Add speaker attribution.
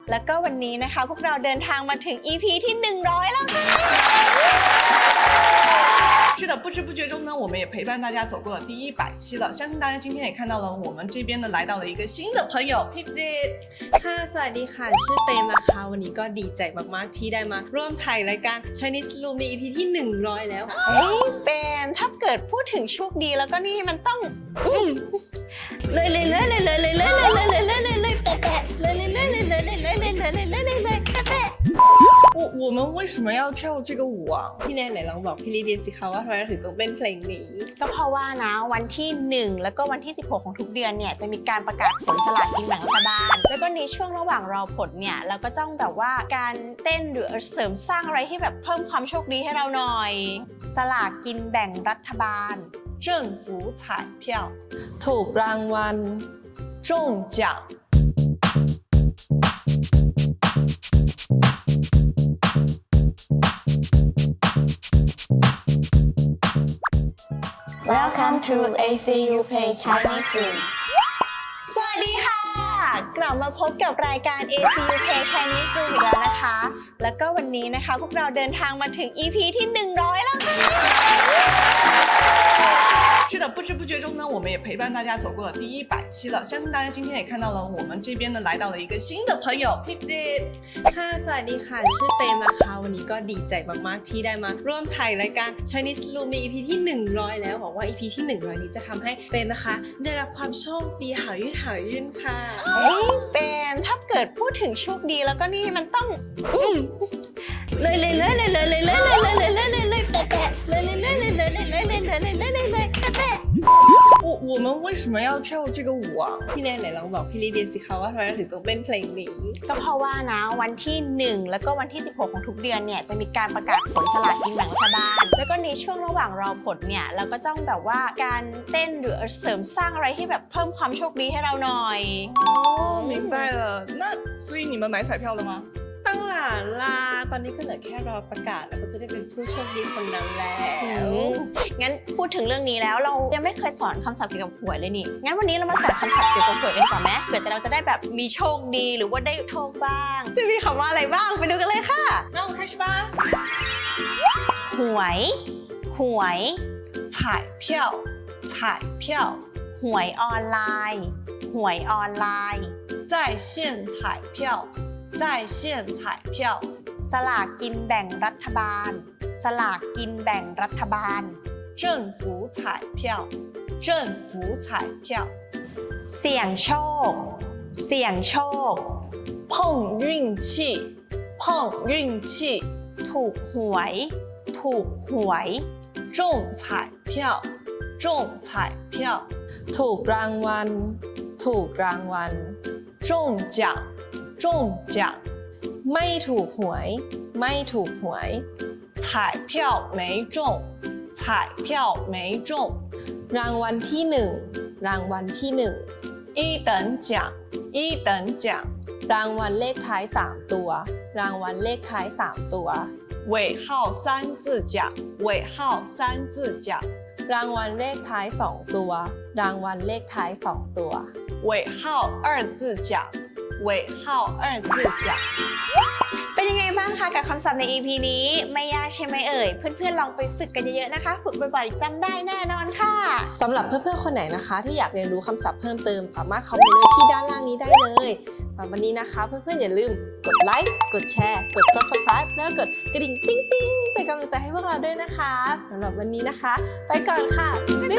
Speaker 1: แล้วก็วันนี้นะคะพวกเราเดินทางมาถึง EP ที่100แล้วค่ะ
Speaker 2: 是的，不知不觉中呢，我们也陪伴大家走过了第100期了。相信大家今天也看到了，我们这边呢来到了一个新的朋友 Pip Lip。
Speaker 3: ค่ะสวัสดีค่ะชื่อเตมนะคะวันนี้ก็ดีใจมากๆที่ได้มาร่วมถ่ายรายการ Chinese Room ใน EP ที่100แล้ว
Speaker 1: เฮ้ยเปมถ้าเกิดพูดถึงโชคดีแล้วก็นี่มันต้องเลยแปะเลยแปะ
Speaker 2: 我们为什么要跳这个舞啊？
Speaker 3: พี่แนนไหนลองบอกพี่ลีเดียสิคะว่าทำไมเราถึงต้องเต้นเพลงนี้
Speaker 1: ก็เพราะว่านะวันที่1แล้วก็วันที่16ของทุกเดือนเนี่ยจะมีการประกาศผลสลากกินแบ่งรัฐบาลแล้วก็ในช่วงระหว่างรอผลเนี่ยเราก็ต้องแบบว่าการเต้นหรือเสริมสร้างอะไรที่แบบเพิ่มความโชคดีให้เราหน่อยสลากกินแบ่งรัฐบาล
Speaker 2: 政府彩票
Speaker 3: ถูกรางวัล
Speaker 2: 中奖。
Speaker 4: Welcome to ACU Pay Chinese Room
Speaker 1: สวัสดีค่ะกลับมาพบกับรายการ ACU Pay Chinese Room อีกแล้วนะคะแล้วก็วันนี้นะคะพวกเราเดินทางมาถึง EP ที่100แล้วค่ะ
Speaker 2: 是的，不知不觉中呢，我们也陪伴大家走过了第100期了。相信大家今天也看到了，我们这边呢来到了一个新的朋友 Pip Lip。
Speaker 3: ค่ะสวัสดีค่ะชื่อเตมนะคะวันนี้ก็ดีใจมากๆที่ได้มาร่วมถ่ายรายการ Chinese Room ใน EP ที่100แล้วหวังว่า EP ที่100นี้จะทำให้เตมนะคะได้รับความโชคดีหายื่นค่ะ
Speaker 1: เฮ้ยเปมถ้าเกิดพูดถึงโชคดีแล้วก็นี่มันต้องเลยแปะแปะ
Speaker 2: 我们为什么要跳这个舞啊？
Speaker 3: พี่แนนไหนลองบอกพี่ลีเดียสิคะว่าทำไมเราถึงต้องเต้นเพลงนี้
Speaker 1: ก็เพราะว่านะวันที่1แล้วก็วันที่16ของทุกเดือนเนี่ยจะมีการประกาศผลสลากกินแบ่งรัฐบาลแล้วก็ในช่วงระหว่างรอผลเนี่ยเราก็ต้องแบบว่าการเต้นหรือเสริมสร้างอะไรที่แบบเพิ่มความโชคดีให้เราหน่อย
Speaker 2: 哦，明白了。那所以你们买彩票了吗？
Speaker 3: ตั้งหลานลาตอนนี้ก็เหลือแค่รอประกาศแล้วก็จะได้เป็นผู้โชคดีคนนั้นแล้ว
Speaker 1: งั้นพูดถึงเรื่องนี้แล้วเรายังไม่เคยสอนคำศัพท์เกี่ยวกับหวยเลยนี่งั้นวันนี้เรามาสอนคำศัพท์เกี่ยวกับหวยกันดีกว่าไหมเผื่อเราจะได้แบบมีโชคดีหรือว่าได้โชคบ้างจะมีคำว่าอะไรบ้างไปดูกันเลยค่ะ
Speaker 2: 那我们开始吧。
Speaker 1: หวยหวย
Speaker 2: 彩票，彩票，
Speaker 1: หวยออนไลน์หวยออนไลน์
Speaker 2: 在线彩票，在线彩票，
Speaker 1: สลากกินแบ่งรัฐบาลสลากกินแบ่งรัฐบาล
Speaker 2: 政府彩票，政府彩票，
Speaker 1: เสี่ยงโชคเสี่ยงโชค
Speaker 2: 碰运气，碰运气，
Speaker 1: ถูกหวยถูกหวย
Speaker 2: 中彩票，中彩票，
Speaker 3: ถูกรางวัลถูกรางวัล
Speaker 2: 中奖，中奖，
Speaker 3: ไม่ถูกหวยไม่ถูกหวย
Speaker 2: 彩票没中，彩票没中，
Speaker 3: รางวัลที่หนึ่งรางวัลที่หนึ่ง
Speaker 2: 一等奖，一等奖，
Speaker 3: รางวัลเลขท้าย3ตัวรางวัลเลขท้าย3ตัว
Speaker 2: 尾号3字奖，尾号3字奖，
Speaker 3: รางวัลเลขท้าย2ตัวรางวัลเลขท้าย2ตัว
Speaker 2: 尾号2字奖，尾号2字奖。
Speaker 1: เป็นยังไงบ้างคะกับคำศัพท์ใน EP นี้ไม่ยากใช่ไหมเอ่ยเพื่อนๆลองไปฝึกกันเยอะๆนะคะฝึกบ่อยๆจำได้แน่นอนค่ะ
Speaker 3: สำหรับเพื่อนๆคนไหนนะคะที่อยากเรียนรู้คำศัพท์เพิ่มเติมสามารถคอมเมนต์ไว้ที่ด้านล่างนี้ได้เลยสำหรับวันนี้นะคะเพื่อนๆอย่าลืมกดไลค์กดแชร์กด Subscribe แล้วกดกระดิ่งติ๊งๆเป็นกำลังใจให้พวกเราด้วยนะคะสำหรับวันนี้นะคะไปก่อนค่ะบ๊ายบาย